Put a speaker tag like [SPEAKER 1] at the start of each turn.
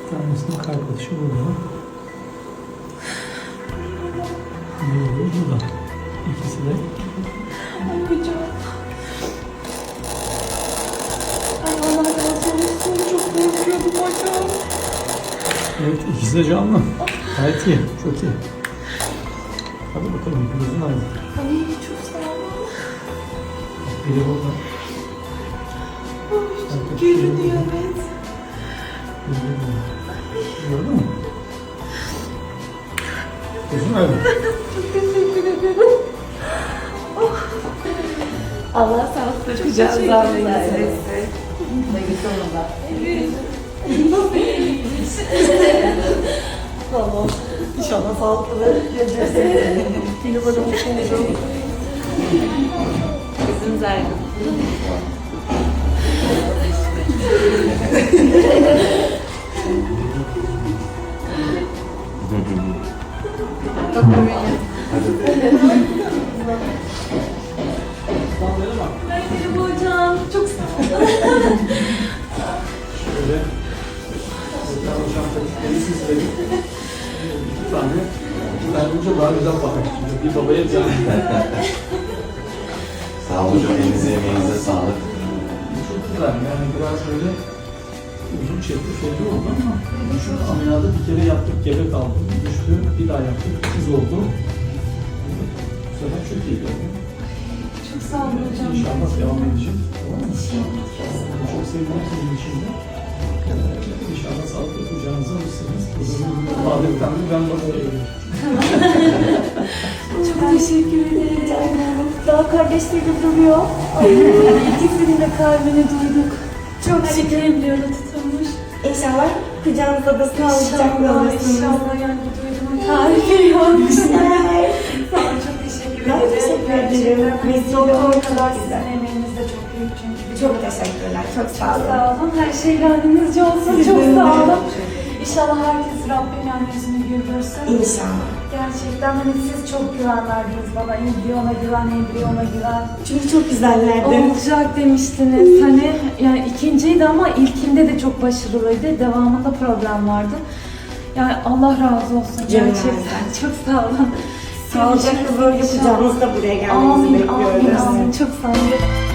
[SPEAKER 1] Bir tanesinin kalp atışı burada. Diğeri burada. İkisi de.
[SPEAKER 2] Ay hocam. Ay Allah razı olsun. Çok korkuyordum hocam.
[SPEAKER 1] Evet, ikisi de canlı. Gayet iyi, çok iyi. Hadi bakalım, gözün aydın.
[SPEAKER 2] Ay çok sağ olun.
[SPEAKER 1] Biri burada.
[SPEAKER 2] Çok görünüyor evet.
[SPEAKER 1] Biri burada. Gördün mü? Gözün aydın.
[SPEAKER 2] Çok teşekkür ederim. Oh. Allah sağlıkla kucağınıza almayı nasip etsin. Evet. Tamam. İnşallah sağlıklı geleceğiz. Yine böyle mutlu olurum. Gözünüz aydın. Merhaba hocam. Çok sağ olun.
[SPEAKER 1] Şöyle. Zaten hocam taktikleri siz verin. İki tane önce daha güzel bakın. Şimdi bir babaya bir anne.
[SPEAKER 3] Sağ olun hocam, elinize emeğinize sağlık.
[SPEAKER 1] Çok güzel. Yani biraz böyle uzun çekti şeyli oldu ama şu ameliyatı bir kere yaptık, gebe kaldı. Düştü, bir daha yaptık, kız oldu. Bu sefer çok iyi oldu.
[SPEAKER 2] Çok sağ olun hocam.
[SPEAKER 1] İnşallah devam edecek. Tamam mı? Çok sevdim sizin için de. İnşallah sağlıklı kucağınıza alırsınız. Adetten de ben bakıyorum.
[SPEAKER 2] Çok teşekkür ederim. Daha kardeşlerim duruyor. Ay, ikisinin de kalbini duyduk. Çok şükür embriyoda tutulmuş.
[SPEAKER 4] İnşallah kucağınızda da sağlıcakla
[SPEAKER 2] İnşallah,
[SPEAKER 4] alırsınız.
[SPEAKER 2] inşallah yani bu duyduğumun tarifi yok.
[SPEAKER 4] Güzel.
[SPEAKER 2] Sağ olun, çok teşekkür
[SPEAKER 4] Ben
[SPEAKER 2] ederim.
[SPEAKER 4] teşekkür ederim.
[SPEAKER 2] Gerçekten
[SPEAKER 4] Vesile
[SPEAKER 2] doktor
[SPEAKER 4] olmak
[SPEAKER 2] kadar
[SPEAKER 4] çok güzel.
[SPEAKER 2] sizin emeğiniz de çok büyük çünkü.
[SPEAKER 4] Çok teşekkürler. Çok sağ olun.
[SPEAKER 2] Sağ olun. Her şey gönlünüzce olsun. Çok sağ olun. İnşallah herkes Rabbim yani yüzünü güldürsün.
[SPEAKER 4] İnşallah.
[SPEAKER 2] Gerçekten hani siz çok güven verdiniz bana. Embriyona güven, embriyona güven.
[SPEAKER 4] Çünkü çok güzellerdi.
[SPEAKER 2] Olacak demiştiniz. Hani yani ikinciydi ama ilkinde de çok başarılıydı. Devamında problem vardı. Yani Allah razı olsun gerçekten. Çok sağ olun.
[SPEAKER 4] Sağlıcakla böyle kucağınızda buraya gelmenizi
[SPEAKER 2] Amin,
[SPEAKER 4] bekliyoruz.
[SPEAKER 2] amin, amin. Çok sağ olun.